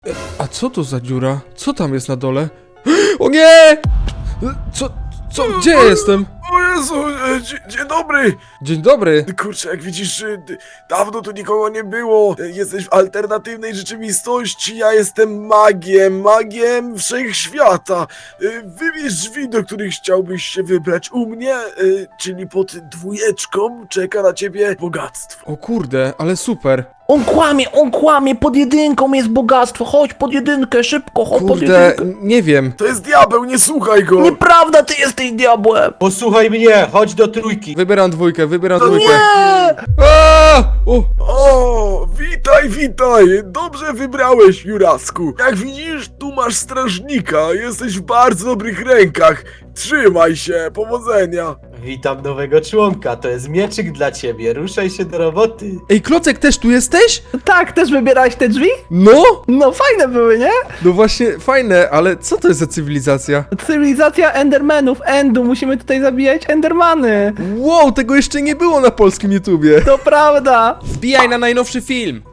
A co to za dziura? Co tam jest na dole? O nie! Co? Gdzie ja jestem? O Jezu, dzień dobry! Dzień dobry. Kurczę, jak widzisz, dawno tu nikogo nie było. Jesteś w alternatywnej rzeczywistości, ja jestem magiem wszechświata. Wybierz drzwi, do których chciałbyś się wybrać. U mnie, czyli pod 2, czeka na ciebie bogactwo. O kurde, ale super. On kłamie, pod 1 jest bogactwo, chodź pod 1, szybko, chodź pod Kurde, 1. nie wiem. To jest diabeł, nie słuchaj go! Nieprawda, ty jesteś diabłem! Posłuchaj mnie, chodź do 3. Wybieram 2, wybieram To 2. nie! A! O! O, witaj! Dobrze wybrałeś, Jurasku. Jak widzisz, tu masz strażnika, jesteś w bardzo dobrych rękach. Trzymaj się, powodzenia. Witam nowego członka, to jest mieczyk dla ciebie, ruszaj się do roboty. Ej, Klocek, też tu jesteś? Tak, też wybierałeś te drzwi? No! No fajne były, nie? No właśnie, fajne, ale co to jest za cywilizacja? Cywilizacja Endermanów, musimy tutaj zabijać Endermany. Wow, tego jeszcze nie było na polskim YouTubie. To prawda. Wbijaj na najnowszy film.